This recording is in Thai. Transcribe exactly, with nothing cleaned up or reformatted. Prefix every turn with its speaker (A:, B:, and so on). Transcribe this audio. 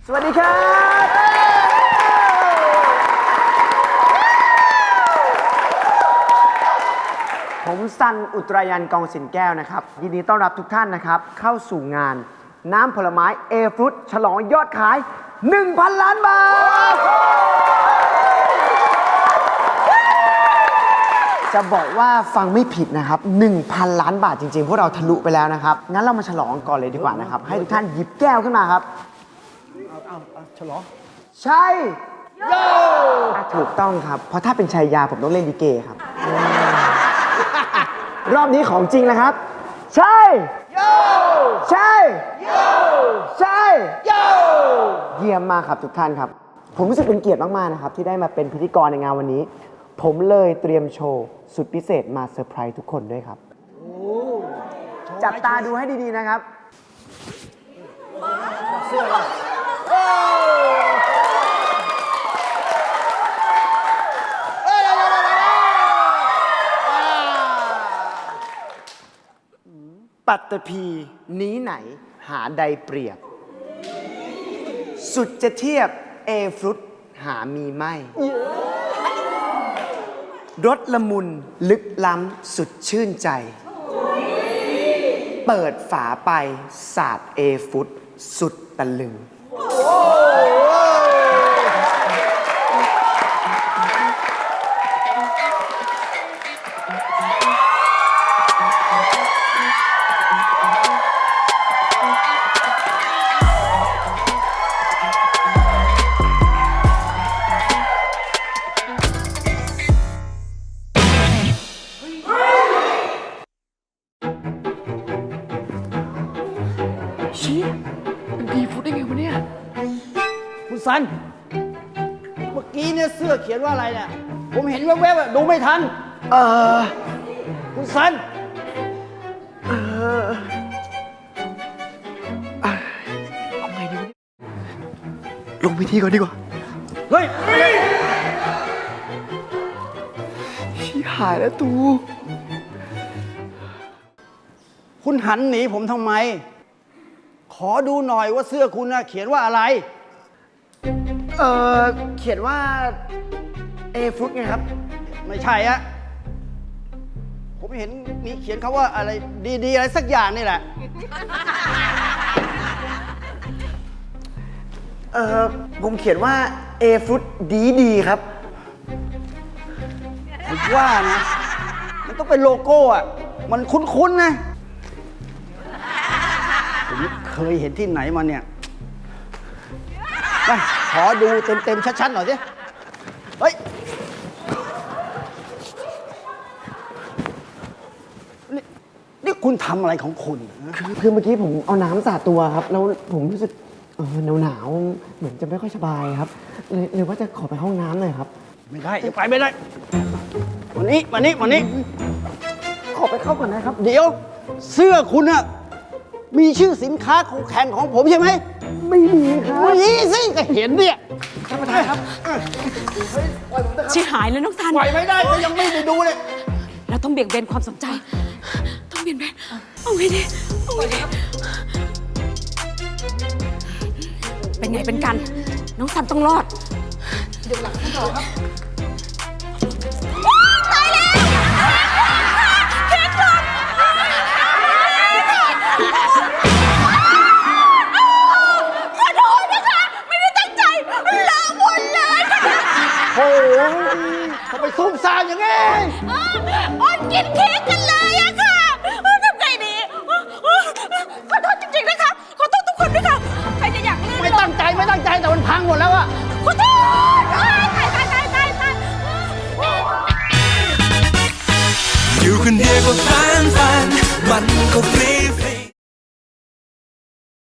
A: สวัสดีครับผมซันอุตรายันกองสินแก้วนะครับยินดีต้อนรับทุกท่านนะครับเข้าสู่งานน้ำผลไม้เอฟรุตฉลองยอดขาย หนึ่งพัน ล้านบาทจะบอกว่าฟังไม่ผิดนะครับ หนึ่งพัน ล้านบาทจริงๆพวกเราทะลุไปแล้วนะครับงั้นเรามาฉลองก่อนเลยดีกว่านะครับให้ทุกท่านหยิบแก้วขึ้นมาครับเอาเอาฉลองใช่โย่ถูกต้องครับเพราะถ้าเป็นชัยยาผมต้องเล่นลิเกครับรอบนี้ของจริงนะครับใช่โย่ใช่โย่ใช่โย่เยี่ยมมากครับทุกท่านครับผมรู้สึกเป็นเกียรติมากๆนะครับที่ได้มาเป็นพิธีกรในงานวันนี้ผมเลยเตรียมโชว์สุดพิเศษมาเซอร์ไพรส์ทุกคนด้วยครับจับตาดูให้ดีๆนะครับเสื้อปัตตภีนี้ไหนหาใดเปรียบสุดจะเทียบเอฟรุตหามีไม่รสละมุนลึกล้ำสุดชื่นใจเปิดฝาไปสาดเอฟรุตสุดตะลึง
B: ชี้มันดีฟุตได้ไงวะเนี่ย
C: คุณสัน เมื่อกี้เนี่ยเสื้อเขียนว่าอะไรเนี่ย ผมเห็นแวบๆอะดูไม่ทัน
A: เออ
C: คุณสัน
A: เออ
B: เอาไงดีวะเนี่ยลงพิธีก่อนดีกว่า
C: เฮ้ย
B: ชี้หายแล้วตู
C: คุณหันหนีผมทำไม ขอดูหน่อยว่าเสื้อคุณน่ะเขียนว่าอะไร
A: เออเขียนว่าเอฟรุตไงครับ
C: ไม่ใช่อะผมเห็นมีเขียนคาว่าอะไรดีๆอะไรสักอย่างนี่แหละ
A: เออผมเขียนว่าเอฟรุตดีดีครับ
C: ผมว่านะ มันต้องเป็นโลโก้อะมันคุ้นๆนะ ผมเคยเห็นที่ไหนมาเนี่ยมาขอดูเต็มๆชัดๆหน่อยสิ เฮ้ย นี่นี่คุณทำอะไรของคุณนะ
A: คือคือเมื่อกี้ผมเอาน้ำสาดตัวครับ แล้วผมรู้สึกเออหนาวหนาวๆเหมือนจะไม่ค่อยสบายครับเลยเลยว่าจะขอไปห้องน้ำหน่อยครับ
C: ไม่ได้จะไปไม่ได้วันนี้วันนี้วันนี้
A: ขอไปเข้าก่อนนะครับ
C: เดี๋ยว เสื้อคุณอะมีชื่อสินค้าคู่แข่งของผมใช่ไหม
A: ไม่มีครับ
C: มีสิก็เห็นเนี่ย
A: ท่านประธานครับ
D: ชิหายแล้วน้องซัน
C: ปล่อยไม่ได้ก็ยังไม่ได้ดูเลย
D: เราต้องเบี่ยงเบนความสนใจ ต้องเบี่ยงเบนเอาไงดีเอาไงดีเป็นไงเป็นกัน น้องซันต้องรอดเดี๋ยวหลังให้ต่อครับตายแล้วเค้กหล่นขอโทษนะคะ ไม่ได้ตั้งใจเลอะหมดเลยค่ะ
C: โอ้ยทำไมซุ่มซ่ามอย่างงี้
D: อ้อนกินเค้กกันเลยอะค่ะทำไงดีขอโทษจริงๆนะคะ ขอโทษทุกคนด้วยค่ะ ใครจะอยากลื่น
C: ไม่ตั้งใจไม่ตั้งใจแต่มันพังหมดแล้วอะ
D: ขอโทษตายตายตายตายตายตาย
E: อยู่คนเดียวก็ฟันฟันมันก็ฟรี